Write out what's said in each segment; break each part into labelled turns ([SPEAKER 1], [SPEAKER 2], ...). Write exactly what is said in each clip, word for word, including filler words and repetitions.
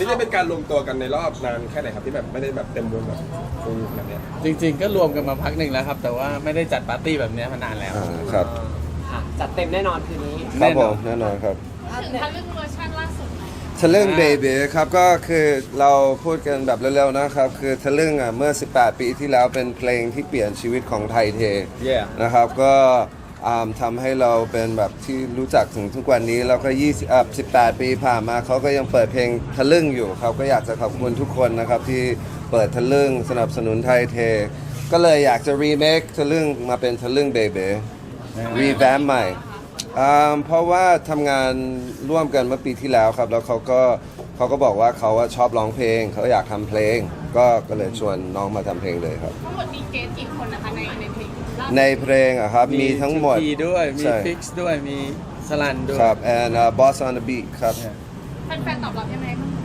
[SPEAKER 1] นี่จะเป็นการรวมตัวกันในรอบนานแค่ไหนครับที่แบบไม่ได้แบบเต็มวงแบบฟูลขนาดเนี้ย
[SPEAKER 2] จริงๆก็รวมกันมาพักหนึ่งแล้วครับแต่ว่าไม่ได้จัดปาร์ตี้แบบนี้มานานแล้ว
[SPEAKER 3] อ่าครับ
[SPEAKER 4] ค่ะจัดเต็มแน่นอนคืนนี้
[SPEAKER 3] ครับผมแน่นอนครับ
[SPEAKER 5] ถึงทะลึ่งเวอร์ชันล่าสุดไหม
[SPEAKER 3] ทะลึ่งเบบีครับก็คือเราพูดกันแบบเร็วๆนะครับคือทะลึ่งอ่ะเมื่อสิบแปดปีที่แล้วเป็นเพลงที่เปลี่ยนชีวิตของไทยเท
[SPEAKER 1] Yeah
[SPEAKER 3] นะครับก็อ่าทำให้เราเป็นแบบที่รู้จักถึงทุกวันนี้แล้วก็ยี่สิบอ่ะสิบแปดปีผ่านมาเขาก็ยังเปิดเพลงทะลึ่งอยู่ครับก็อยากจะขอบคุณทุกคนนะครับที่เปิดทะลึ่งสนับสนุนไทยเท ก็เลยอยากจะรีเมคทะลึ่งมาเป็นทะลึ่งเบบีรีแวมใหม่อ่าเพราะว่าทำงานร่วมกันเมื่อปีที่แล้วครับแล้วเขาก็เขาก็บอกว่าเขาว่าชอบร้องเพลงเขาอยากทำเพลง ก็ก็เลยชวนน้องมาทำเพลงเลยครับ
[SPEAKER 5] ทั้งหมดมีเกสกี่คนนะคะในในเพลงล่าสุด
[SPEAKER 3] ในเพลงอะครับมีทั้งหมด
[SPEAKER 2] มีด้วยมี
[SPEAKER 3] ใช่
[SPEAKER 2] ฟิกซ์ด้วยมีสลันด้วย
[SPEAKER 3] ครับ and uh, boss on the beat ครับ
[SPEAKER 5] แฟนๆตอบรับยังไงบ้างคะ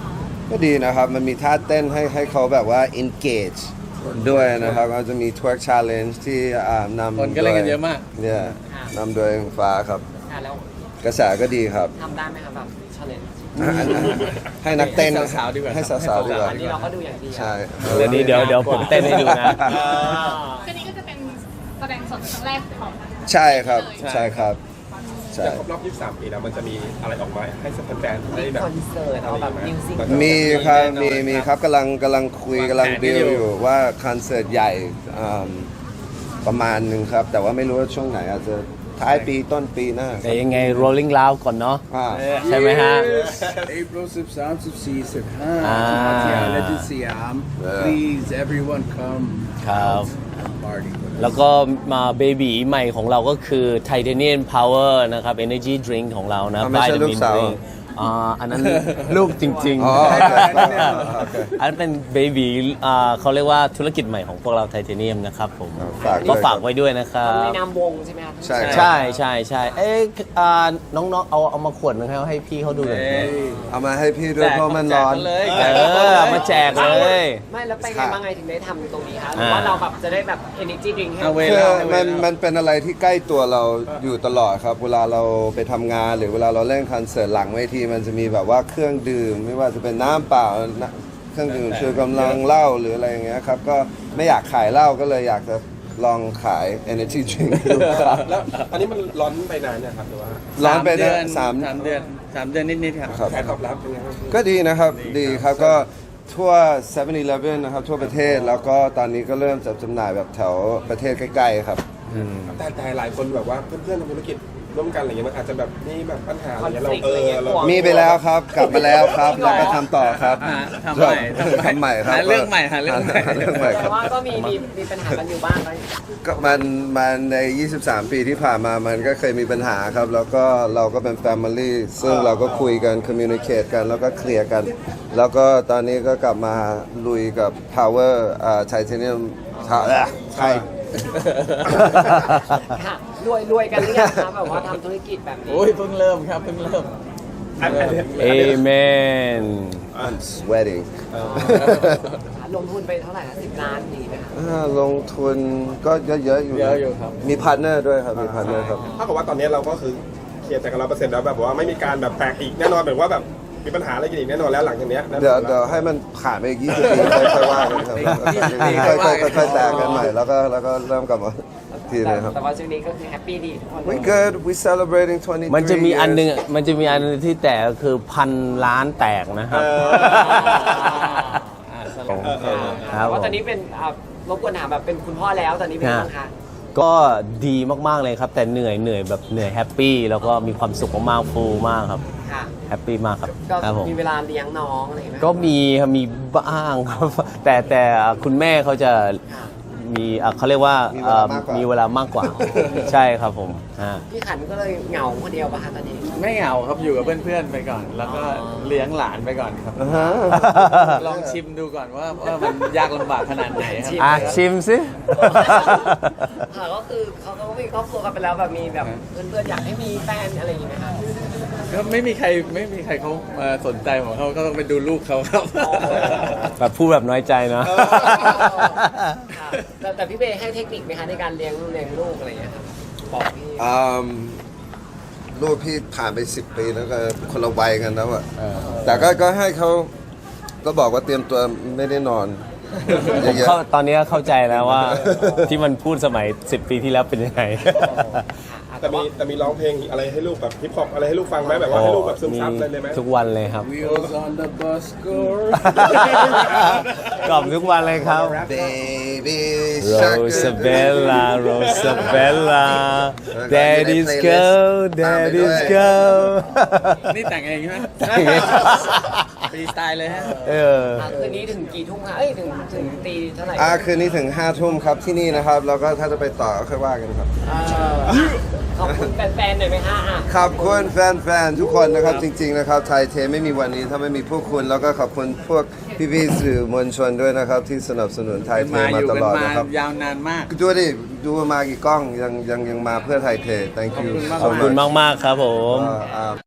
[SPEAKER 3] ก็ดีนะครับ มันมีท่าเต้นให้ให้เขาแบบว่า engage ด้วยนะครับก็จะมี twerk challenge ที่อ่านำ
[SPEAKER 2] คนก็เล่นกันเยอะมาก
[SPEAKER 3] เนี่ยนำโดยฟ้าครับ
[SPEAKER 4] ค่ะแล้ว
[SPEAKER 3] กระแสก็ดีครับ
[SPEAKER 4] ทำได้ไหมคะแบบชาเลนจ์
[SPEAKER 3] ให้นักเต้น
[SPEAKER 2] ให้สาวๆดีกว่า
[SPEAKER 3] ให้สาวๆดีกว่า
[SPEAKER 4] อันนี้เราก็ดูอย่างดี
[SPEAKER 3] ใช่
[SPEAKER 6] เดี๋ยวนี้เดี๋ยวเดี๋ยวผมเต้นให้ดูนะ
[SPEAKER 5] คืนนี้ก็จะเป็นแสดงสดครั้งแรกของ
[SPEAKER 3] ใช่ครับใช่ครับใช่
[SPEAKER 1] จะครบรอบยี่สิบสามปีแล้วมันจะมีอะไรออกมาให้แฟนๆได้แบบ
[SPEAKER 4] คอนเสิร์ตเอาแบบมิวสิก
[SPEAKER 3] มีครับมีมีครับกำลังกำลังคุยกำลังบิลอยู่ว่าคอนเสิร์ตใหญ่อ่าประมาณหนึ่งครับ แต่ว่าไม่รู้ว่าช่วงไหนอาจจะท้ายปีต้นปีหน้า
[SPEAKER 6] แต่ยังไง rolling loud ก่อนเนาะ
[SPEAKER 3] อ่า
[SPEAKER 6] ใช่ไหมฮะ
[SPEAKER 2] April สิบสาม สิบสี่ สิบห้า
[SPEAKER 6] อ่า
[SPEAKER 2] และที่สยาม please everyone come
[SPEAKER 6] ครับ
[SPEAKER 2] party
[SPEAKER 6] แล้วก็มาเบบีใหม่ของเราก็คือ Titanium Power นะครับ Energy Drink ของเรานะ
[SPEAKER 3] อ่าไม่ใช่
[SPEAKER 6] Vitamin
[SPEAKER 3] ลูกสาว
[SPEAKER 6] Drink อ่าอันนั้น ลูกจริง
[SPEAKER 3] อ๋อ
[SPEAKER 6] ๆ
[SPEAKER 3] โอเค
[SPEAKER 6] อันนั้นเป็นเบบีอ่าเขาเรียกว่าธุรกิจใหม่ของพวกเรา Titanium นะครับผม
[SPEAKER 3] ฝากด้วย
[SPEAKER 6] ก็ฝากไว้ด้วยนะครั
[SPEAKER 4] ใน
[SPEAKER 6] บ
[SPEAKER 4] นามวงใช่ไหมคะ
[SPEAKER 3] ใช่
[SPEAKER 6] ใช่ใช่ใช่เอ๊ะอ่าน้องๆเอาเอามาขวดนึงให้ให้พี่เขาดูหน่อย
[SPEAKER 3] เอามาให้พี่ด้วยเพราะมันร้อน
[SPEAKER 2] เลย
[SPEAKER 6] เออเอามาแจกเลย
[SPEAKER 4] ไม่แล้วไปไงบ้างไงถึงได้ทำตรงนี้คะหรือว่าเราแบบจะได้แบบ energy drink ให้
[SPEAKER 2] เอาเว
[SPEAKER 3] คือ
[SPEAKER 2] ลา
[SPEAKER 3] มันมันเป็นอะไรที่ใกล้ตัวเราอยู่ตลอดครับ เวลาเราไปทำงานหรือเวลาเราเล่นคอนเสิร์ตหลังเวทีมันจะมีแบบว่าเครื่องดื่ม ไม่ว่าจะเป็นน้ำเปล่าน้ำเครื่องดื่มชูกำลังเหล้าหรืออะไรอย่างเงี้ยครับก็ไม่อยากขายเหล้าก็เลยอยากจะลองขาย energy drink ดูครับ
[SPEAKER 1] แล้วอันนี้มันร้อนไปนานเนี่ยครับหรือว่า
[SPEAKER 3] ร้อนไป
[SPEAKER 2] เดื
[SPEAKER 3] นะ
[SPEAKER 2] อน
[SPEAKER 3] สาม
[SPEAKER 2] สามเดือนสามเดือนนิดๆครับ
[SPEAKER 3] ครับ
[SPEAKER 1] การตอบรับเป็นยังไงบ้าง
[SPEAKER 3] ก็ดีนะครับดีครับก็ทั่วเซเว่นอีเลฟเว่นนะครับทั่วประเทศแล้วก็ตอนนี้ก็เริ่มจัดจำหน่ายแบบแถวประเทศใกล้ๆครับ
[SPEAKER 1] แต่แต่หลายคนแบบว่าเพื่อนๆทำธุรกิจร่วมกันอะไรเงี้ยมันอาจจะแบบมีแบบปัญหาอะไรเงี้ยเราเออเรา
[SPEAKER 3] มีไปแล้วครับกลับมาแล้วครับแล้วก็ทำต่อครับ
[SPEAKER 2] หาทำใหม่
[SPEAKER 3] ทำใหม่ครับ
[SPEAKER 2] หาเรื่องใหม่หาเรื่องใหม่
[SPEAKER 3] หาเรื่องใหม่ค
[SPEAKER 4] แต่
[SPEAKER 3] รับ
[SPEAKER 4] ว่าก็มีมีมีปัญหากันอยู่บ้างไหม
[SPEAKER 3] ก็มันมันใน ยี่สิบสาม ปีที่ผ่านมามันก็เคยมีปัญหาครับ แล้วก็เราก็เป็น Family ซึ่งเราก็คุยกัน Communicate กันแล้วก็เคลียร์กัน แล้วก็ตอนนี้ก็กลับมาลุยกับ Power อ่า Titanium ใช่
[SPEAKER 4] ค่ะรวยรวยกันหรือยังคะแบบว่าทำธุรกิจแบบนี้
[SPEAKER 2] โอ้ยเพิ่งเริ่มครับเพิ่งเริ่ม
[SPEAKER 1] อันอันนี้
[SPEAKER 6] Amen
[SPEAKER 3] I'm sweating
[SPEAKER 4] ลงทุนไปเท่าไหร่นะสิบล้านดีไหมคะ
[SPEAKER 3] อ่าลงทุนก็เยอะๆอยู่น
[SPEAKER 2] เยอะอยู่ครับ
[SPEAKER 3] มีพาร์ทเนอร์ด้วยครับมีพาร์ทเนอร์ครับ
[SPEAKER 1] ถ้ากับว่าตอนนี้เราก็คือเคลียร์ใจกันร้อยเปอร์เซ็นต์แล้วแบบว่าไม่มีการแบบแตกอีกแน่นอนเหมือนว่าแบบมีปัญหาอะไรกันอีกแน่นอนแล้วหลังจากเนี้ยนะ
[SPEAKER 3] เดี๋ยวเดี๋ยวให้มันผ่านไปอีกยี่สิบปีค่อยๆว่ากันครับค่อยๆค่อยๆแตกกันใหม่แล้วก็แล้วก็เริ่มกลับมาทีนึงครับ
[SPEAKER 4] แต่ว่าช่วงนี้ก็คือแฮปปี้ดีทุกคน
[SPEAKER 3] We good we celebrating twenty-three
[SPEAKER 6] มันจะมีอันหนึง
[SPEAKER 3] years
[SPEAKER 6] อะมันจะมีอันหนึงที่แตกก็คือพันล้านแตกนะครับ
[SPEAKER 2] อ่าส
[SPEAKER 1] เอ
[SPEAKER 2] ลับ
[SPEAKER 1] อเออ
[SPEAKER 6] ครับ
[SPEAKER 4] ว่าตอนนี้เป็นอ่ารบกวนถามแบบเป็นคุณพ่อแล้วตอนนี้เป็นยังไงบ้างคะ
[SPEAKER 6] ก็ดีมากๆเลยครับ แต่เหนื่อยเหนื่อยแบบเหนื่อยแฮปปี้แล้วก็มีความสุขมากๆฟูลมากครับ
[SPEAKER 4] ค่ะ
[SPEAKER 6] แฮปปี้มากครับ
[SPEAKER 4] ก็
[SPEAKER 6] ครับผม
[SPEAKER 4] มีเวลาเลี้ยงน้องอะไรอย่างเงี้ยไหม
[SPEAKER 6] ก็มีครับมีบ้างครับ แต่แต่คุณแม่เขาจะ
[SPEAKER 4] ค่ะ
[SPEAKER 6] มีอ่ะเขาเรียกว่า
[SPEAKER 3] มีเวลามากกว่า
[SPEAKER 6] มีเวลามากกว่า ใช่ครับผมฮะ
[SPEAKER 4] พี่ขันก็เลยเหงาคนเดียวป่ะคะตอนนี้
[SPEAKER 2] ไม่เหงาครับอยู่กับเพื่อนๆไปก่อน แล้วก็เลี้ยงหลานไปก่อนครับ
[SPEAKER 3] อ่าฮะ
[SPEAKER 2] ลองชิมดูก่อนว่าว่ามันยากลำบากขนาดไหนครับ
[SPEAKER 6] อ่ะชิมสิ
[SPEAKER 4] ค่ะก็คือเขาก็มีครอบครัวกันไปแล้วแบบมีแบบเพื่อนๆอยากให้มีแฟนอะไรอย่างงี้ไหมคะ
[SPEAKER 2] ก็ไม่มีใครไม่มีใครเขามาสนใจของเขาก็ต้องไปดูลูกเขาครับ
[SPEAKER 6] แบบพูดแบบน้อยใจเนาะ
[SPEAKER 4] ค่ะแต่แต่พี่เบย์ให้เทคนิคไหมคะในการเลี้ยงลูกเลี้ยงลูกอะไรอย่างเงี้ยครับบอกพี่
[SPEAKER 3] อืมลูกพี่ผ่านไปสิบปีแล้วก็คนละวัยกันแล้วอะแต่ก็ก็ให้เขาก็บอกว่าเตรียมตัวไม่ได้นอน
[SPEAKER 6] ผม
[SPEAKER 3] เยอะ
[SPEAKER 6] เข้าตอนนี้เข้าใจแล้วว่า ที่มันพูดสมัยสิบปีที่แล้วเป็นยังไง
[SPEAKER 1] แต่มีแต่มีร้องเพลงอะไรให้ลูกแบบฮิปฮอปอะไรให้ลูกฟังไหมแบบว่าให้ลูกแบบซึมซับเลยเลยไหม
[SPEAKER 6] ทุกวันเลยครับ
[SPEAKER 2] Wheels on the bus go
[SPEAKER 6] กล่อมทุกวันเลยครับ
[SPEAKER 3] ๆ baby
[SPEAKER 6] Rosabella Rosabella Daddy's girl Daddy's girl
[SPEAKER 2] นี่แต่งเองใช่ไหม
[SPEAKER 6] แต่งเอง
[SPEAKER 2] ฟรีสไตล์เลยฮะ
[SPEAKER 6] เออ
[SPEAKER 4] อ่ะคืนนี้ถึงกี่ทุ่มคะเอ้ยถึงถึงตีเท่าไหร่
[SPEAKER 3] อ่าคืนนี้ถึงห้าทุ่มครับที่นี่นะครับ แล้วก็ถ้าจะไปต่อก็ค่อยว่ากันครับ
[SPEAKER 4] เออขอบคุณแฟนๆหน่อยไหมคะอ่ะ
[SPEAKER 3] ขอบคุณแฟนๆ ทุกคนนะครับ จริงๆ นะครับไทยเทไม่มีวันนี้ถ้าไม่มีพวกคุณ แล้วก็ขอบคุณพวกพี่ๆสื่อมวลชนด้วยนะครับ ที่สนับสนุนไทยเท
[SPEAKER 2] มาอ
[SPEAKER 3] มา
[SPEAKER 2] ยู่
[SPEAKER 3] ต
[SPEAKER 2] กัน
[SPEAKER 3] ลอด
[SPEAKER 2] มา
[SPEAKER 3] นะครับ
[SPEAKER 2] ยาวนานมาก
[SPEAKER 3] ดูดิดูมากี่กล้องยังยังยังมาเพื่อไทยเท thank you
[SPEAKER 2] ขอบคุณมาก
[SPEAKER 6] ขอบคุณมาก ๆ ครับผม
[SPEAKER 3] so much อ่า